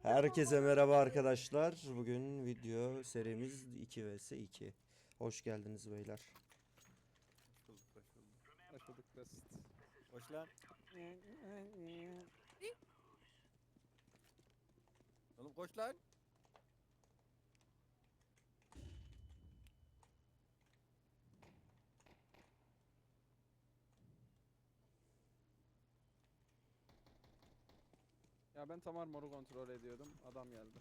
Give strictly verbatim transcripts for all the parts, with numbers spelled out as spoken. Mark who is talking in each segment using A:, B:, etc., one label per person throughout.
A: Herkese merhaba arkadaşlar. Bugün video serimiz iki vs iki. Hoş geldiniz beyler.
B: Hoş bulduk, hoş bulduk.
C: Hoş bulduk basit.
B: Hoş lan. Oğlum koş lan.
C: Ya ben tam armoru kontrol ediyordum. Adam geldi.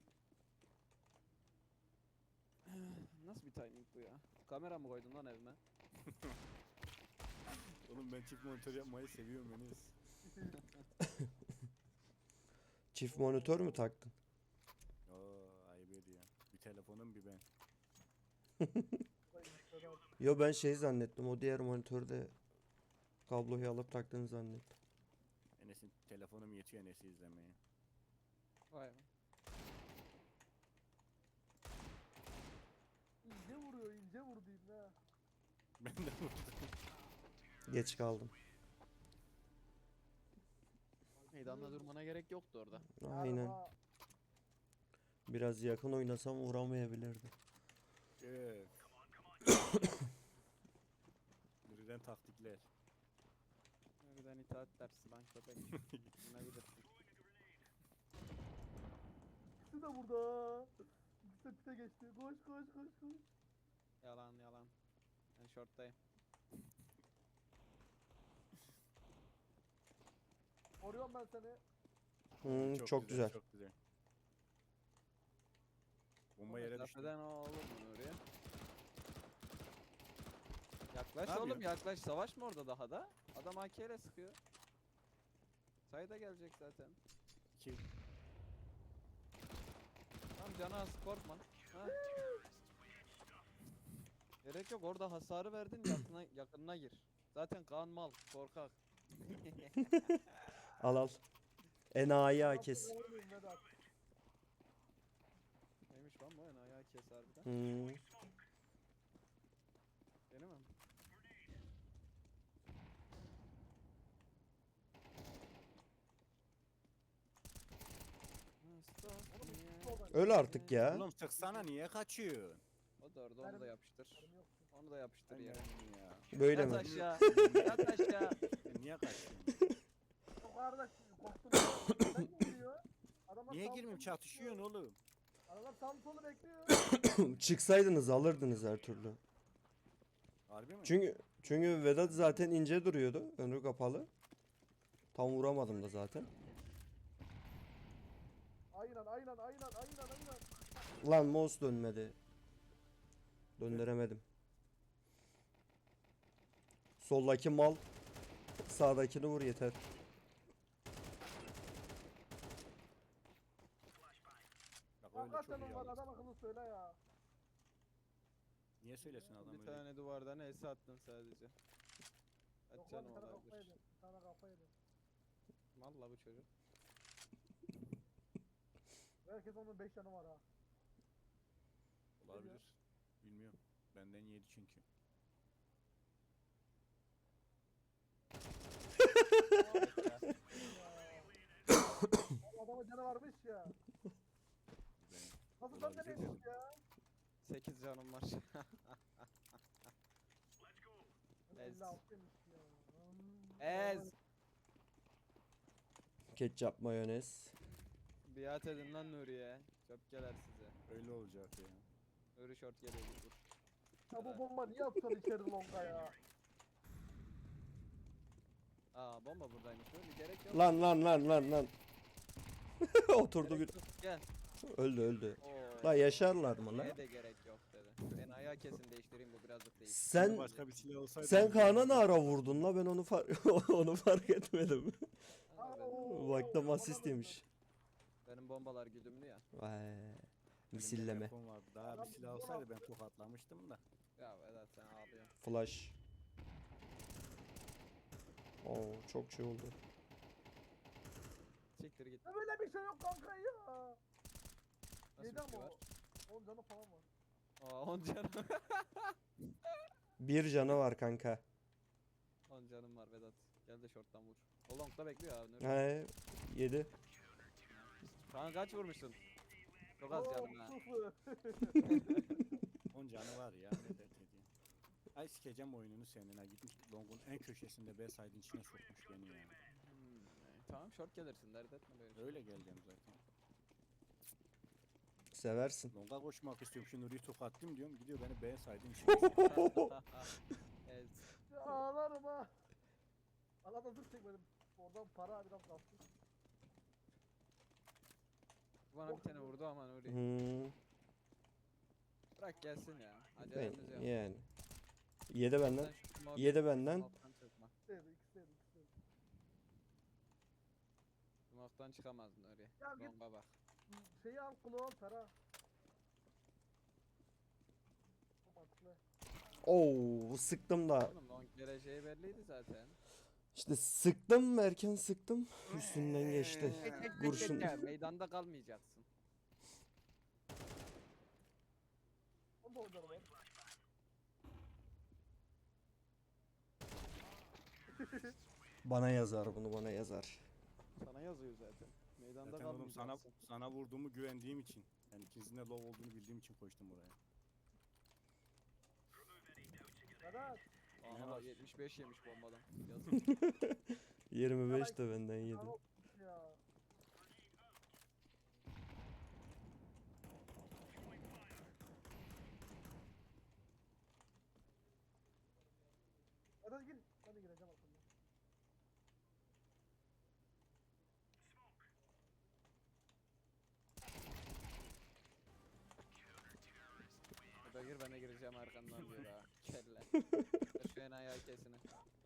C: Nasıl bir timing bu ya? Kamera mı koydun lan evime?
B: Oğlum ben çift monitör yapmayı seviyorum Enes.
A: Çift monitör mü taktın?
B: Oo ayıp ediyor. Bir telefonum bir ben.
A: Yo, ben şey zannettim. O diğer monitörde kabloyu alıp taktığını zannettim.
B: Enes'in telefonum yetiyor Enes'i izlemeye.
C: Vay be.
D: İnce vuruyor, ince vurdu ibne ha.
B: Ben de vurdum.
A: Geç kaldım.
C: Meydanla durmana gerek yoktu orada.
A: Aynen.
D: Araba.
A: Biraz yakın oynasam vuramayabilirdi.
B: Öf. Birden taktikler.
C: Birden itaat dersi lan köpek. Ne bilirsin.
D: İkisi de burada. İkisi de pite geçti. Koş koş koş koş.
C: Yalan yalan. Ben shorttayım.
D: Koruyorum ben seni.
A: Hmm, çok, güzel.
B: Çok güzel. Bomba yere düştü.
C: Mesafeden oğlum bunu oraya. Yaklaş
B: Ne
C: oğlum
B: yapıyorsun?
C: yaklaş. Savaş mı orada daha da? Adam A K ile sıkıyor. Sayda gelecek zaten.
B: İki.
C: Tamam canı az korkma. Ha. Gerek yok orada hasarı verdin yakına, yakınına gir. Zaten Kaan mal korkak.
A: Al al. Enayi
D: Nasıl
A: kes.
D: vurmayayım Vedat?
C: Neymiş lan bu en ayağı kes harbiden.
A: Hmm.
C: Benim mi?
A: Öl artık ya.
B: Oğlum çıksana niye kaçıyorsun?
C: O da orada onu da yapıştır.
D: Canım yok.
C: Onu da yapıştır yere.
B: ya.
A: Böyle
C: Yat
A: mi?
C: aşağı. Yat aşağı.
B: Niye kaçıyorsun?
D: Çok kardeş korktum. Sen kim giriyor? Adamlar
B: Niye
D: sağ
B: girmeyeyim
D: solu
B: çatışıyorsun
D: bekliyor.
B: oğlum?
D: Adamlar sağ solu bekliyor.
A: Çıksaydınız alırdınız her türlü.
B: Harbi mi?
A: Çünkü çünkü Vedat zaten ince duruyordu. Önü kapalı. Tam vuramadım da zaten.
D: Aynen aynen aynen aynen aynen.
A: Lan mouse dönmedi. Döndüremedim. Soldaki mal. Sağdakini vur yeter.
B: Bak öyle çok
D: Hakikaten
B: iyi
D: var
B: aldı.
D: adam akıllı söyle ya.
B: Niye söylesin adam
C: Bir
B: öyle?
C: tane duvardan es attın sadece. Kaç
D: Yok lan
C: canım
D: bir tane kafa
C: olabilir.
D: yedim. Bir tane kafa yedim.
C: Valla bu çocuk.
D: Herkes onun beş yanı var ha.
B: Olabilir. Bilmiyorum. Benden yedi çünkü.
D: Adamın canı varmış ya.
B: Ben
D: Nasıl sen
B: olabilir
D: dememiş
B: dedim.
D: ya?
C: sekiz canım var. Ez.
D: elli altıymış ya. Hmm.
C: Ez.
A: Ketçap mayonez.
C: Biat edin lan Nuriye. Çöpkeler size.
B: Öyle olacak ya.
C: Nuri short geliyor dur.
D: Ya bu bomba niye atıyorsun içeri longa ya?
C: Aa bomba buradaymış Nuri gerek yok.
A: Lan lan lan lan lan. Oturdu bir.
C: Gerek yok. Gel.
A: Öldü öldü.
C: Oo.
A: La yaşarlar mı lan?
C: Ne de gerek yok dedi. Ben ayağı kesin değiştireyim bu birazcık değil.
A: Sen
B: Başka bir silah olsaydı.
A: sen Kaan'a ne ara vurdun la, ben onu fark onu fark etmedim.
C: Ama ben-
D: Oo,
A: Vakta
D: bana
A: asist
D: da
A: yemiş.
C: benim bombalar güdümlü ya.
A: Vay.
B: Elimde
A: Misilleme.
B: telefon vardı. Daha bir silah olsaydı ben tokatlamıştım da.
C: Ya Vedat sen ağlıyorsun.
A: Flash. Oo, çok şey oldu.
C: Siktir git.
D: Ya böyle bir şey yok kanka ya.
C: Nasıl
D: Yedi
C: bir şey
D: ama
C: var?
D: o. on canı falan var.
C: Aa on canım.
A: Bir canı var kanka.
C: on canım var Vedat. Gel de short'tan vur. O long'da bekliyor abi Nuri.
A: He, yedi.
C: Şu an kaç vurmuşsun? Çok az
D: Oo,
C: canım ha.
D: sıfır.
B: On canı var ya ne dert ediyor. Ay sikeceğim oyununu senin ha. Gitmiş Long'un en köşesinde B side'in içine sokmuş beni ya.
C: Hmm, e, tamam short gelirsin dert etme böyle.
B: Öyle geleceğim zaten.
A: Seversin.
B: Long'a koşmak istiyorum. Şu Nuri'yi tokatlayayım diyorum. Gidiyor beni B side'in içine sokuyor.
C: Evet.
D: Ya ağlarım ha. Allah'tan dur çekmedim. Oradan para biraz kalsın.
C: Bana bir tane vurdu ama Nuri.
A: Hmm,
C: Bırak gelsin ya.
A: ben,
C: Acelemiz yok.
A: yani. Yedi benden.
C: Sen şu smoke-
A: Yedi benden.
C: smoke'tan çıkma.
D: İkisiydi ikisiydi ikisiydi.
C: Smoke'tan çıkamaz Nuri.
D: Ya git.
C: Longa bak.
D: Şeyi al kulağı al para. Mantıklı.
A: Oo, sıktım da.
C: Oğlum long geleceği belliydi zaten.
A: İşte sıktım erken sıktım. Üstünden geçti. Kurşun.
C: Ya, meydanda kalmayacaksın.
D: Onda oynar var.
A: Bana yazar bunu bana yazar.
C: Sana yazıyor zaten. Meydanda
B: Zaten oğlum sana,
C: kalmayacaksın.
B: sana vurduğumu güvendiğim için. Yani ikinizin de low olduğunu bildiğim için koştum oraya.
D: Vedat.
B: Ne
C: Aha
B: var?
C: yetmiş beş yemiş bombadan. Yazık.
A: yirmi beş de benden yedi.
D: Tamam ya. Vedat gir. Ben de gireceğim aslında.
C: Burada gir ben de gireceğim arkandan diyor ha. Kelle. Şu enayi kesini.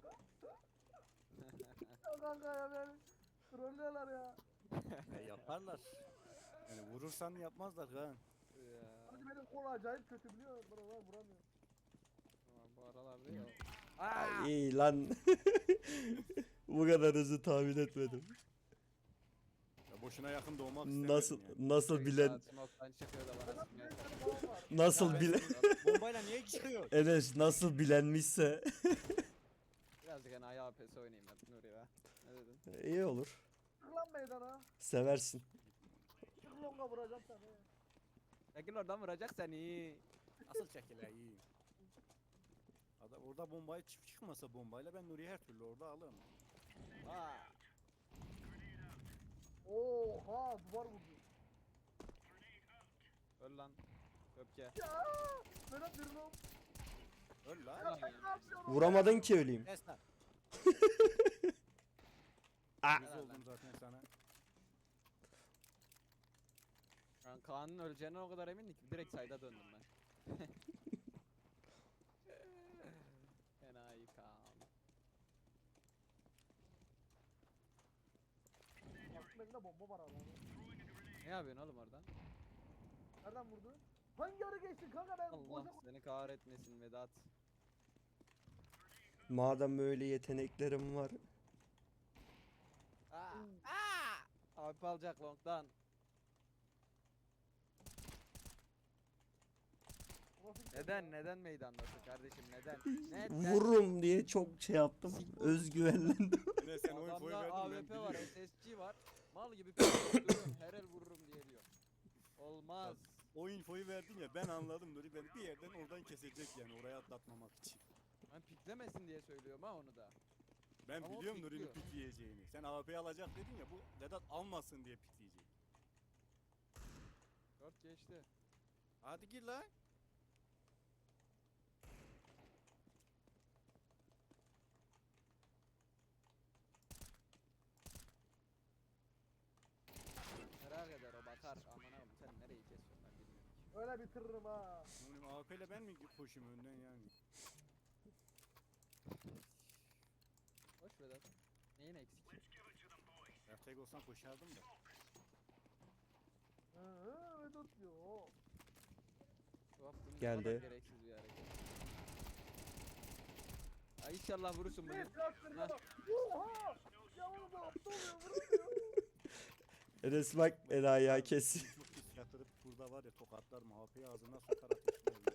D: Ya kanka ya beni. Trollüyorlar ya.
B: E, yaparlar. Yani vurursan yapmazlar ha.
C: Ya.
D: Hadi benim kol acayip kötü biliyor musun? Bana var vuramıyor.
C: Tamam, bu aralarda ya.
A: Ay, iyi lan. Bu kadar hızlı tahmin etmedim.
B: Ya boşuna yakın doğmak istemedim
A: Nasıl
B: yani.
A: nasıl bilen
C: Smoke'tan çıkıyor da bana
D: Vedat
C: sıkmaya
D: bir tane
C: çalışıyor.
D: falan var.
A: nasıl
B: Ya
A: bilen
B: ben- Bombayla niye çıkıyor?
A: Enes nasıl bilenmişse
C: Birazcık enayi A P S oynayayım ben Nuri be. Ne dedin?
A: iyi olur.
D: Çık lan meydana.
A: Seversin.
D: Çık longa vuracağım seni.
C: Çekil oradan vuracak seni.
B: Asıl çekile iyi. Adam orada bombayı çık çıkmasa bombayla ben Nuri'yi her türlü orada alırım.
C: Aa.
D: Oha duvar vurdu.
C: Öl lan. Öpke.
D: Ya Vedat bir long.
B: Öl
C: Ulan
B: lan.
C: ya.
D: Ne yapıyorsun?
A: Vuramadın ki öleyim.
B: Kes lan.
A: Aa.
B: Yüz oldum zaten sana.
C: Ben Kaan'ın öleceğine o kadar emindim ki direkt sayda döndüm ben. Enayi Kaan.
D: Aslında elinde bomba var abi.
C: Ne yapıyorsun oğlum oradan?
D: Nereden vurdu? Hangi ara geçtin kanka ben
C: Allah
D: boşa
C: seni kahretmesin Vedat.
A: Madem böyle yeteneklerim var.
C: Aa. Aa. Abi alacak long'dan. Neden neden meydandasın kardeşim neden? Neden?
A: Vururum diye çok şey yaptım. Özgüvenlendim.
B: Yine sen oyun foyu
C: Adamda
B: verdin ben
C: A W P var,
B: biliyorum.
C: S S G var. Mal gibi duruyorum. Her el vururum diye diyor. Olmaz.
B: O infoyu verdin ya ben anladım Nuri beni bir yerden oradan kesecek yani oraya atlatmamak için.
C: Ben piklemesin diye söylüyorum ha onu da.
B: Ben
C: Ama o
B: biliyorum Nuri'nin
C: pikliyor.
B: pik yiyeceğini. Sen A W'yi alacak dedin ya bu Vedat almasın diye pikleyecek.
C: Dört geçti.
B: Hadi gir lan.
C: Merak eder o bakar. Aman abi sen nereyi kesiyorsun ben bilmiyorum ki.
D: öyle bitiririm ha.
B: Nuri'nin A W ile ben mi koşayım önden yani?
C: Hoş Vedat. Neyin eksik?
B: Ya tek olsam koşardım da.
D: Hı hı Vedat diyor. o.
C: Bu yaptığın ne
A: Geldi.
C: kadar gereksiz bir hareket. Ay inşallah vurursun bugün.
D: Ne transferine
C: Heh.
D: bak. Oha. Ya oğlum bu aptal oluyor vuruyor.
A: Enes bak enayi kesin.
B: Çok pis yatırıp burada var ya tokatlar mı A P'yi ağzına sokar ateşler.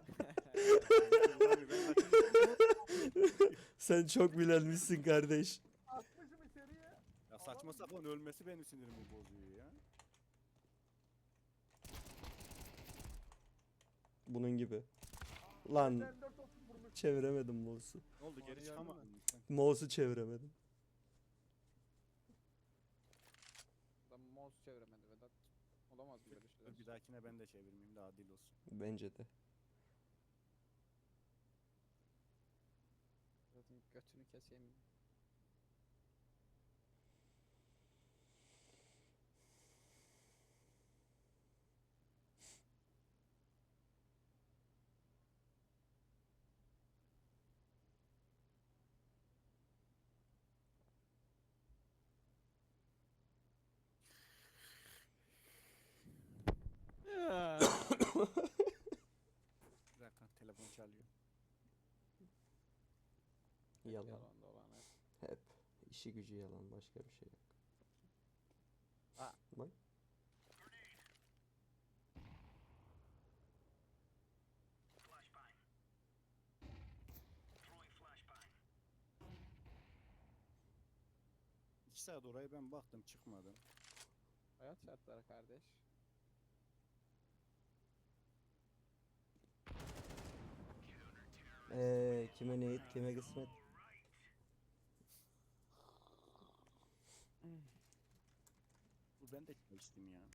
A: Sen çok bilenmişsin kardeş.
D: Atmışım içeriye.
B: Ya saçma sapan ölmesi benim sinirimi bozuyor ya.
A: Bunun gibi. Lan
D: M dört otuz vurmuş.
A: çeviremedim mouse'u.
B: Ne oldu
C: Onu
B: geri
C: gördün
B: çıkamadın
C: mü?
B: mı sen?
A: Mouse'u çeviremedim.
C: Adam mouse çeviremedi Vedat. Olamaz mı böyle şeyler?
B: Dur bir dahakine ben de çevirmeyeyim de adil olsun.
A: Bence de.
C: Vedat'ın götünü keseyim.
B: Bir dakika telefon çalıyor.
A: Yalan.
C: Yalan dolan hep.
A: Hep. İşi gücü yalan. Başka bir şey yok.
C: Aa.
A: Bak.
B: İki saat oraya ben baktım çıkmadı.
C: Hayat şartları kardeş.
A: Eee kime neyit kime kısmet.
B: Bu ben de içtim ya.